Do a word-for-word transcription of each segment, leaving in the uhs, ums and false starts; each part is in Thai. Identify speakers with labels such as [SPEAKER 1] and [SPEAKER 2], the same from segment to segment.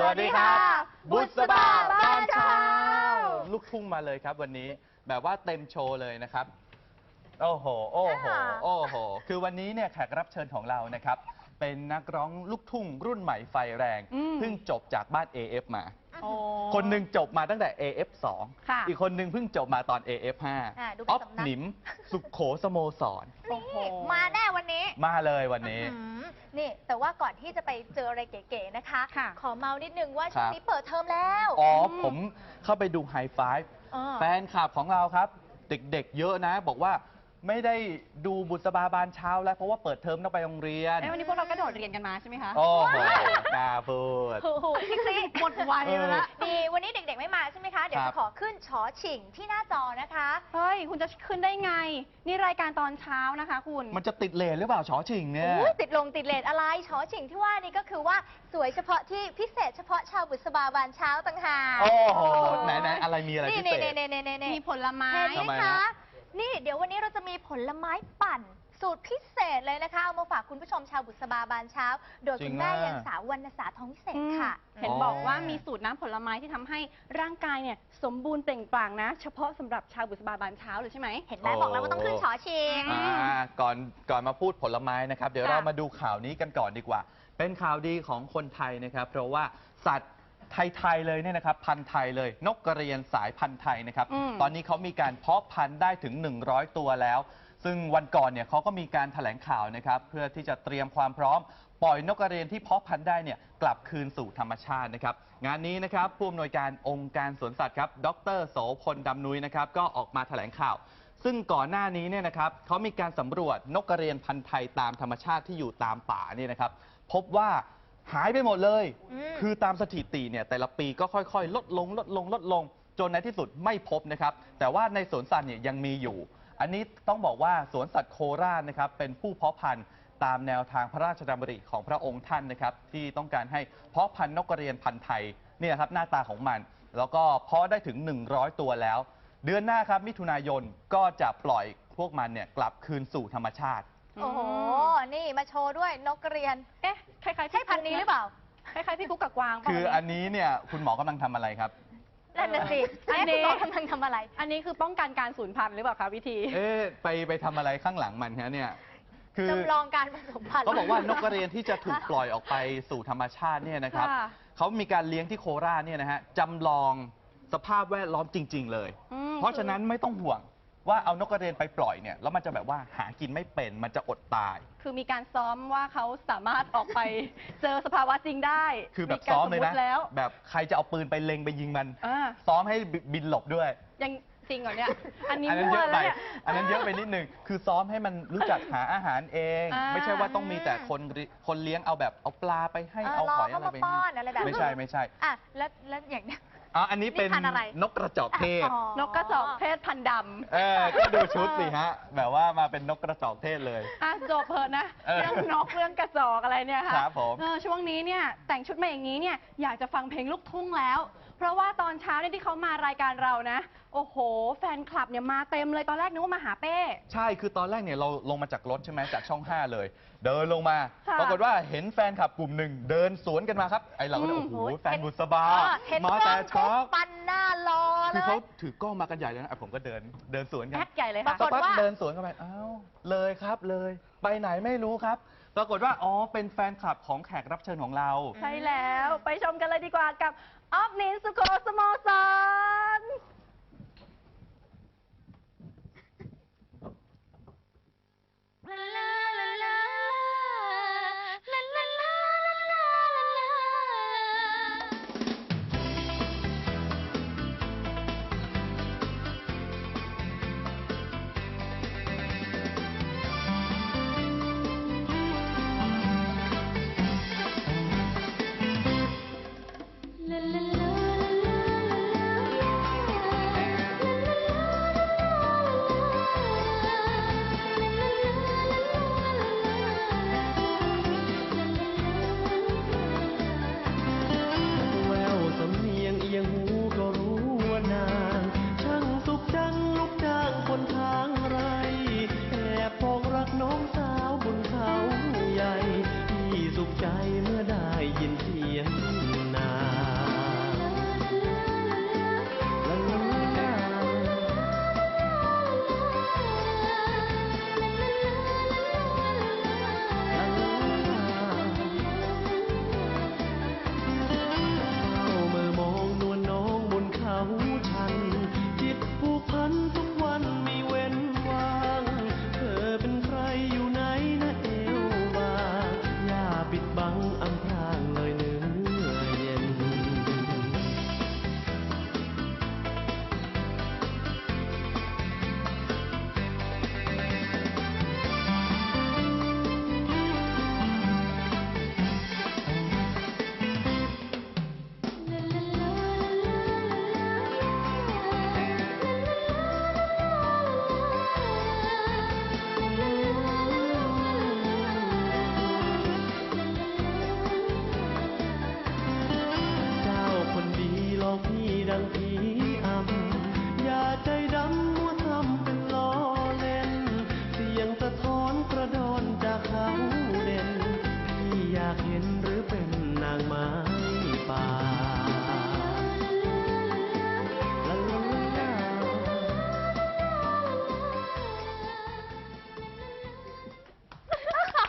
[SPEAKER 1] วัสดีครับบุษบาบ้านเช้าลูกทุ่งมาเลยครับวันนี้แบบว่าเต็มโชว์เลยนะครับโอ้โหโอ้โหโอ้โหคือวันนี้เนี่ยแขกรับเชิญของเรานะครับเป็นนักร้องลูกทุ่งรุ่นใหม่ไฟแรงเพิ่งจบจากบ้าน เอ เอฟ มาคนหนึ่งจบมาตั้งแต่ เอ เอฟ สอง อีกคนหนึ่งเพิ่งจบมาตอน เอ เอฟ ห้า ออฟหนิมสุขโขสโมสร
[SPEAKER 2] มาแน่วันนี้
[SPEAKER 1] มาเลยวันนี้
[SPEAKER 2] นี่แต่ว่าก่อนที่จะไปเจออะไรเก๋ๆนะคะขอเมานิดนึงว่าช่วงนี้เปิดเทอมแล้ว
[SPEAKER 1] อ๋อผมเข้าไปดูไฮไฟฟ์แฟนคลับของเราครับเด็กๆเยอะนะบอกว่าไม่ได้ดูบุษบาบานเช้าแล้วเพราะว่าเปิดเทอมต้องไปโรงเรียน
[SPEAKER 3] วันนี้พวกเราก็โดดเรียนกันมาใช่ไหมคะ
[SPEAKER 1] โอ้โหน่าพูด
[SPEAKER 2] โอ้โหพี่ซี
[SPEAKER 3] หมดวัยแล้ว
[SPEAKER 2] ดีวันนี้เด็กๆไม่มาใช่ไหมคะเดี๋ยวจะขอขึ้นชอฉิงที่หน้าจอนะคะ
[SPEAKER 3] เฮ้ยคุณจะขึ้นได้ไงนี่รายการตอนเช้านะคะคุณ
[SPEAKER 1] มันจะติดเลทหรือเปล่าชอฉิงเนี่ย
[SPEAKER 2] ติดลงติดเลทอะไรชอฉิงที่ว่านี่ก็คือว่าสวยเฉพาะที่พิเศษเฉพาะชาวบุษบาบานเช้าต่างหาก
[SPEAKER 1] โอ้โหไหนๆอะไรมีอะไรพิเศษ
[SPEAKER 2] มีผลไม้เห็นไหมคะนี่เดี๋ยววันนี้เราจะมีผลไม้ปั่นสูตรพิเศษเลยนะคะเอามาฝากคุณผู้ชมชาวบุษบาบานเช้าโดยคุณแม่ยังสาววรรณสาทองวิเศษค่ะ
[SPEAKER 3] เห็นบอกว่ามีสูตรน้ำผลไม้ที่ทำให้ร่างกายเนี่ยสมบูรณ์เปล่งปลั่งนะเฉพาะสำหรับชาวบุษบาบานเช้าเลยใช่ไหม
[SPEAKER 2] เห็นไหมบอกแล้วว่าต้องขึ้นชอชิง
[SPEAKER 1] ก่อนก่อนมาพูดผลไม้นะครับเดี๋ยวเรามาดูข่าวนี้กันก่อนดีกว่าเป็นข่าวดีของคนไทยนะครับเพราะว่าสัตว์ไทยๆเลยเนี่ยนะครับพันธุ์ไทยเลยนกกระเรียนสายพันธุ์ไทยนะครับตอนนี้เขามีการเพาะพันธุ์ได้ถึงหนึ่งร้อยตัวแล้วซึ่งวันก่อนเนี่ยเขาก็มีการแถลงข่าวนะครับเพื่อที่จะเตรียมความพร้อมปล่อยนกกระเรียนที่เพาะพันธุ์ได้เนี่ยกลับคืนสู่ธรรมชาตินะครับงานนี้นะครับผู้อำนวยการองค์การสวนสัตว์ครับดร.โสพลดำนุ้ยนะครับก็ออกมาแถลงข่าวซึ่งก่อนหน้านี้เนี่ยนะครับเขามีการสำรวจนกกระเรียนพันธุ์ไทยตามธรรมชาติที่อยู่ตามป่านี่นะครับพบว่าหายไปหมดเลยคือตามสถิติเนี่ยแต่ละปีก็ค่อยๆลดลงลดลงลดลงจนในที่สุดไม่พบนะครับแต่ว่าในสวนสัตว์เนี่ยยังมีอยู่อันนี้ต้องบอกว่าสวนสัตว์โคราชนะครับเป็นผู้เพาะพันธุ์ตามแนวทางพระราชดำริของพระองค์ท่านนะครับที่ต้องการให้เพาะพันธุ์นกกระเรียนพันธุ์ไทยนี่ครับหน้าตาของมันแล้วก็เพาะได้ถึงหนึ่งร้อยตัวแล้วเดือนหน้าครับมิถุนายนก็จะปล่อยพวกมันเนี่ยกลับคืนสู่ธรรมชาติ
[SPEAKER 2] โอ้โหนี่มาโชว์ด้วยนกกระเรียนเอ๊ะคล้ายๆใช่พันธุ์นี้หรือเปล่า
[SPEAKER 3] คล้ายๆพี่กุ๊กกับกวาง
[SPEAKER 1] คืออันนี้เนี่ยคุณหมอกำลังทำอะไรครับ
[SPEAKER 2] นั่นน่ะสิอันนี้กำลังทำอะไร
[SPEAKER 3] อันนี้คือป้องกันการสูญพันธุ์หรือเปล่าคะวิธี
[SPEAKER 1] เอ๊ะไปไปทำอะไรข้างหลังมันฮะเนี่ย
[SPEAKER 2] คือจำลองการผสมพันธุ์
[SPEAKER 1] เขาบอกว่านกกระเรียนที่จะถูกปล่อยออกไปสู่ธรรมชาติเนี่ยนะครับเขามีการเลี้ยงที่โคราชเนี่ยนะฮะจำลองสภาพแวดล้อมจริงๆเลยเพราะฉะนั้นไม่ต้องห่วงว่าเอานกกระเรียนไปปล่อยเนี่ยแล้วมันจะแบบว่าหากินไม่เป็นมันจะอดตาย
[SPEAKER 3] คือมีการซ้อมว่าเขาสามารถออกไปเจอสภาวะจริงได้
[SPEAKER 1] คือแบบซ้อมเลยนะแบบใครจะเอาปืนไปเล็งไปยิงมันซ้อมให้บินหลบด้วย
[SPEAKER 3] ยังจริงเหรอเนี่ยอันนี้
[SPEAKER 1] เยอะไปอันนั้นเยอะไปนิดนึงคือซ้อมให้มันรู้จักหาอาหารเองไม่ใช่ว่าต้องมีแต่คนคนเลี้ยงเอาแบบเอาปลาไปให้เอาหอยอะไรไปให้ไม่ใช่ไม่ใช่
[SPEAKER 2] อ่ะแล้วแล้วอย่างเนี้ย
[SPEAKER 1] อ๋ออันนี้เป็นนกกระจอกเทศ
[SPEAKER 3] นกกระจอกเทศพันดำ
[SPEAKER 1] เออก็ดูชุดสิฮะแบบว่ามาเป็นนกกระจอกเทศเลย
[SPEAKER 3] อ่ะจบเพลินนะเรื่องนกเรื่องกระจอกอะไรเนี่ยค่ะ
[SPEAKER 1] ครับผม
[SPEAKER 3] ช่วงนี้เนี่ยแต่งชุดมาอย่างนี้เนี่ยอยากจะฟังเพลงลูกทุ่งแล้วเพราะว่าตอนเช้าเนี่ยที่เขามารายการเรานะโอ้โหแฟนคลับเนี่ยมาเต็มเลยตอนแรกนึกว่ามาหาเป้
[SPEAKER 1] ใช่คือตอนแรกเนี่ยเราลงมาจากรถใช่ไหมจากช่องห้าเลยเดินลงมาปรากฏว่าเห็นแฟนคลับกลุ่มหนึ่งเดินสวนกันมาครับไอเราก็โอ้โหแฟนบุษบามาแต่ช็อป
[SPEAKER 2] ปันหน้ารอเลย
[SPEAKER 1] คือเขาถือกล้องมากันใหญ่เลยนะผมก็เดินเดินสวนกัน
[SPEAKER 3] แอคใหญ่เลยค่ะ
[SPEAKER 1] สักพักเดินสวนกันไปอ้าวเลยครับเลยไปไหนไม่รู้ครับปรากฏว่าอ๋อเป็นแฟนคลับของแขกรับเชิญของเรา
[SPEAKER 3] ใช่แล้วไปชมกันเลยดีกว่ากับออฟนินสุโขสโมสร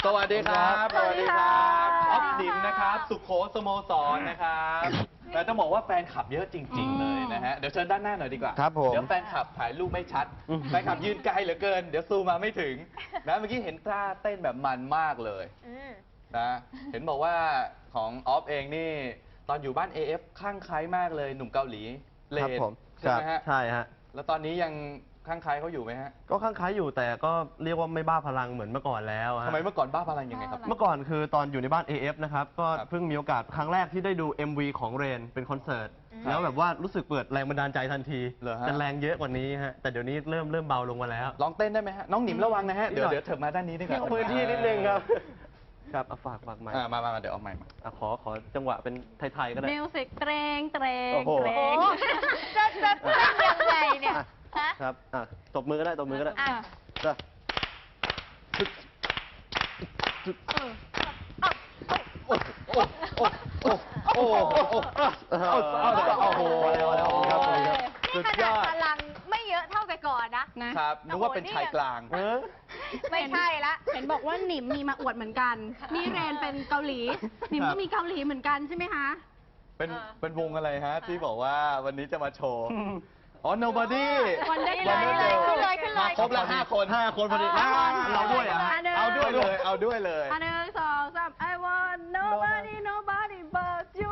[SPEAKER 1] สวัสดีครับ
[SPEAKER 3] สวัสดีครับ
[SPEAKER 1] ออฟดิมนะครับ สุโขสโมสรนะครับแต่ต้องบอกว่าแฟนคลับเยอะจริง ๆ เลยนะฮะ เดี๋ยวเชิญด้านหน้าหน่อยดีกว่า
[SPEAKER 4] ครับผม
[SPEAKER 1] เดี๋ยวแฟนคลับถ่ายรูปไม่ชัด แฟนคลับยืนไกลเหลือเกิน เดี๋ยวซูมมาไม่ถึงนะเมื่อกี้เห็นท่าเต้นแบบมันมากเลย
[SPEAKER 2] อืม
[SPEAKER 1] นะ เห็นบอกว่าของออฟเองนี่ ตอนอยู่บ้าน เอ เอฟ ข้างใครมากเลยหนุ่มเกาหลีเล
[SPEAKER 4] ครับ
[SPEAKER 1] น
[SPEAKER 4] ผม
[SPEAKER 1] ใช่ไหมฮะ
[SPEAKER 4] ใช่ฮะ
[SPEAKER 1] แล้วตอนนี้ยังข้างใครเขาอยู่ไหมฮะ
[SPEAKER 4] ก็ข้างคล้ายอยู่แต่ก็เรียกว่าไม่บ้าพลังเหมือนเมื่อก่อนแล้วฮะ
[SPEAKER 1] ทำไมเมื่อก่อนบ้าพลังยังไงครับ
[SPEAKER 4] เมื่อก่อนคือตอนอยู่ในบ้าน เอ เอฟ นะครับ ก็
[SPEAKER 1] ครับ
[SPEAKER 4] เพิ่งมีโอกาสครั้งแรกที่ได้ดู เอ็ม วี ของเรนเป็นคอนเสิร์ต
[SPEAKER 2] อืม
[SPEAKER 4] แล้วแบบว่ารู้สึกเปิดแรงบันดาลใจทันที
[SPEAKER 1] เหรอฮะ
[SPEAKER 4] จะแรงเยอะกว่านี้ฮะ แต่เดี๋ยวนี้เริ่มเริ่มเบาลงมาแล้ว
[SPEAKER 1] ลองเต้นได้ไหมฮะ น้องหนิมระวังนะฮะ
[SPEAKER 4] นิด
[SPEAKER 1] เดี๋ยว
[SPEAKER 4] หน่อย
[SPEAKER 1] เดี๋ยวเถิบมาด้านนี้ดีกว่า
[SPEAKER 4] พื้นที่นิดนึงครับ ครับเอาฝากฝากใหม่
[SPEAKER 1] อ่ามามามาเดี๋ยวเอาใหม่มา
[SPEAKER 4] อ่ะขอขอจังหวะเป็นไทยๆก็ได้
[SPEAKER 3] มิวสิกเตรงเตรง
[SPEAKER 4] โอ้โห
[SPEAKER 3] เตร
[SPEAKER 2] โอ้
[SPEAKER 3] ง
[SPEAKER 2] จะจะเต้นยังไงเนี่ยฮะ
[SPEAKER 4] ครับอ่ะตบมือก็ได้ตบมือก็ได้
[SPEAKER 2] อ่ะ
[SPEAKER 4] จ้ะ
[SPEAKER 1] โอ้โหโอ้โห
[SPEAKER 4] เอาเอาเอาโอ้โหแล้วแล้วครับผมครับ
[SPEAKER 2] นี่ขนาดพลังไม่เยอะเท่าแต่ก่อนนะ
[SPEAKER 3] นะครับ
[SPEAKER 1] นึกว่าเป็นชายกลาง
[SPEAKER 4] เออ
[SPEAKER 2] ไม่ใช่ละ
[SPEAKER 3] เห็นบอกว่าหนิมมีมาอวดเหมือนกัน นี่เรนเป็นเกาหลี หนิม
[SPEAKER 4] ครั
[SPEAKER 3] ก็
[SPEAKER 4] บ
[SPEAKER 3] มีเกาหลีเหมือนกันใช่ไหมคะ
[SPEAKER 1] เป็น
[SPEAKER 2] เออ
[SPEAKER 1] เป็นวงอะไรฮะ ที่บอกว่าวันนี้จะมาโชว์ อ๋อ nobody
[SPEAKER 3] วันได้
[SPEAKER 2] เลยเลยขึ้นเลยขึ้นเลย
[SPEAKER 1] มาครบแล้วห้าคน
[SPEAKER 4] ห้าคนพอดี
[SPEAKER 3] ห้าคน
[SPEAKER 4] เราด้วยอ่ะ
[SPEAKER 3] อันหนึ่ง
[SPEAKER 1] เอาด้วยเลย เอาด้วยเลย
[SPEAKER 3] อันหนึ่งสองสาม I want nobody nobody but you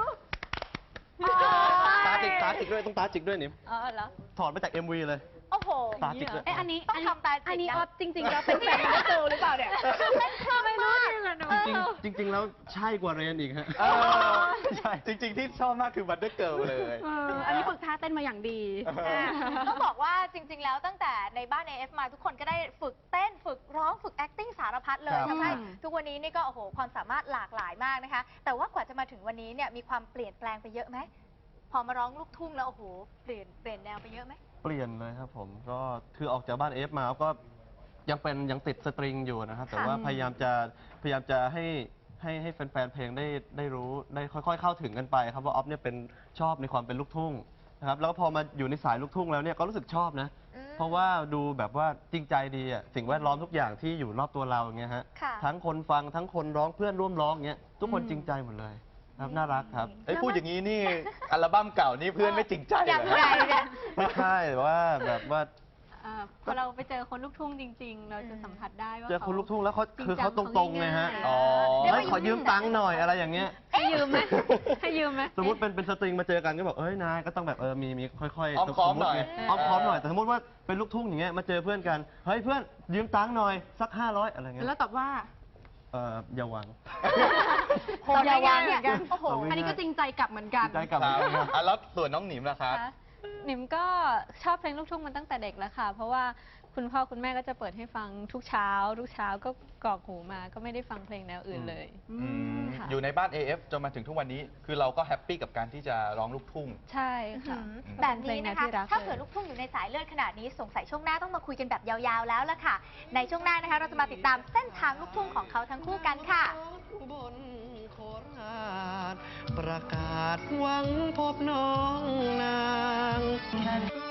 [SPEAKER 4] ตาจิกตาจิกด้วยต้องตาจิกด้วยนิม
[SPEAKER 2] เออเหรอ
[SPEAKER 4] ถอดมาจาก เอ็ม วี เลย
[SPEAKER 2] โอ้โห
[SPEAKER 4] ตาจิกด้วย
[SPEAKER 3] เอ๊ะอันนี้
[SPEAKER 2] ต้องทำตาจิกนะ
[SPEAKER 3] อันนี้ออฟจริงๆแล้วเป็นแฟนมิสเตอร์หรือเปล่าเนี่ย
[SPEAKER 2] ไม่รู้จริงเหรอหนู
[SPEAKER 4] จริงๆจริง ๆ แล้วใช่กว่าเรนอีกฮะ
[SPEAKER 1] เออใช่ จริง ๆ ที่ชอบมากคือบัตเตอร์เกิลเลย
[SPEAKER 3] เอออันนี้ฝึกท่าเต้นมาอย่างดี
[SPEAKER 2] อ่ะต้องบอกว่าจริง ๆ แล้วตั้งแต่ในบ้าน เอ เอฟ มาทุกคนก็ได้ฝึกเต้นฝึกร้องฝึก acting สารพัดเลย
[SPEAKER 4] ครับ
[SPEAKER 2] ทำให้
[SPEAKER 3] อืม
[SPEAKER 2] ทุกวันนี้นี่ก็โอ้โหความสามารถหลากหลายมากนะคะ แต่ว่ากว่าจะมาถึงวันนี้เนี่ยมีความเปลี่ยนแปลงไปเยอะไหมพอมาร้องลูกทุ่งแล้วโอ้โหเปลี่ยนเปลี่ยนแนวไปเยอะไหม
[SPEAKER 4] เปลี่ยนเลยครับผมก็คือออกจากบ้านเอฟมาก็ยังเป็นยังติดสตริงอยู่นะครับ แต่ว่าพยายามจะพยายามจะให้ให้ให้แฟนๆเพลงได้ได้รู้ได้ค่อย ๆ เข้าถึงกันไปครับว่าออฟเนี่ยเป็นชอบในความเป็นลูกทุ่งนะครับแล้วก็พอมาอยู่ในสายลูกทุ่งแล้วเนี่ยก็รู้สึกชอบนะ
[SPEAKER 2] อืม
[SPEAKER 4] เพราะว่าดูแบบว่าจริงใจดีอ่ะสิ่งแวดล้อมทุกอย่างที่อยู่รอบตัวเราอย่างเงี้ยฮะ
[SPEAKER 2] ค่ะ
[SPEAKER 4] ทั้งคนฟังทั้งคนร้องเพื่อนร่วมร้องเงี้ยทุกคน
[SPEAKER 3] อืม
[SPEAKER 4] จริงใจหมดเลยครับน่ารักครับ
[SPEAKER 1] ไอ้ยพูดอย่างนี้นี่ อัลบั้มเก่านี่เพื่อนไม่จริงใจเหร
[SPEAKER 2] อย่าง
[SPEAKER 1] อ
[SPEAKER 2] ไรเนี่ย
[SPEAKER 4] ไม่ใช่แต่ว่าแบบว่า
[SPEAKER 5] เอ่อพอเราไปเจอคนลูกทุ่งจริง ๆ เราจะสัมผัสได้ว่า
[SPEAKER 4] เจอคนลูกทุ่งแล้วเขา
[SPEAKER 5] จริง
[SPEAKER 4] คือเขาต
[SPEAKER 5] จั
[SPEAKER 4] รงๆไงฮะ
[SPEAKER 5] เขาง่ายๆ
[SPEAKER 1] อ๋อ
[SPEAKER 2] เดี๋ยว
[SPEAKER 4] เฮ้ยขอยืมตังค์หน่อยอะไรอย่างเงี้ย
[SPEAKER 5] ให้ยืมไหมให้ยืมไหม
[SPEAKER 4] สมมติเป็นเป็นสตริงมาเจอกันก็บอกเอ้ยนายก็ต้องแบบเออมีมีค่อยๆ
[SPEAKER 1] อ้อมค้อมหน่อย
[SPEAKER 4] สติไงอ้อมค้อมหน่อยแต่สมมติว่าเป็นลูกทุ่งอย่างเงี้ยมาเจอเพื่อนกันเฮ้ยเพื่อนยืมตังค์หน่อยสักห้าร้อยอะไรเงี้ย
[SPEAKER 3] แล้วตอบว่า
[SPEAKER 4] เอออย่าหวัง
[SPEAKER 2] โหดอย่าวางเนี่ยโอ้โห
[SPEAKER 4] เอาไว้
[SPEAKER 3] อันนี้ก็จริงใจกลับเหมือนกัน
[SPEAKER 4] ได้กลับ
[SPEAKER 1] ค
[SPEAKER 4] มา
[SPEAKER 1] รับอ่ะแล้วส่วนน้องหนิมล่ะครับ
[SPEAKER 5] คะหนิมก็ชอบเพลงลูกทุ่งมาตั้งแต่เด็กแล้วค่ะ เพราะว่าคุณพ่อคุณแม่ก็จะเปิดให้ฟังทุกเช้า ทุกเช้าก็กรอกหูมาก็ไม่ได้ฟังเพลงแนวอื่นเลย
[SPEAKER 3] อื
[SPEAKER 1] อืม
[SPEAKER 5] ค่ะ
[SPEAKER 1] อยู่ในบ้าน เอ เอฟ จนมาถึงทุกวันนี้ คือเราก็แฮปปี้กับการที่จะร้องลูกทุ่ง
[SPEAKER 5] ใช่ค่ะ
[SPEAKER 2] แบบนี้นะคะ
[SPEAKER 5] เป็นเพลงแนวที่รัก
[SPEAKER 2] ถ้าเกิดลูกทุ่งอยู่ในสายเลือดขนาดนี้ สงสัยช่วงหน้าต้องมาคุยกันแบบยาวๆแล้วล่ะค่ะ ในช่วงหน้านะคะ เราจะมาติดตามเส้นทางลูกทุ่งของเขาทั้งคู่กันค่ะ
[SPEAKER 6] บนโคราชประกาศหวังพบน้องนาง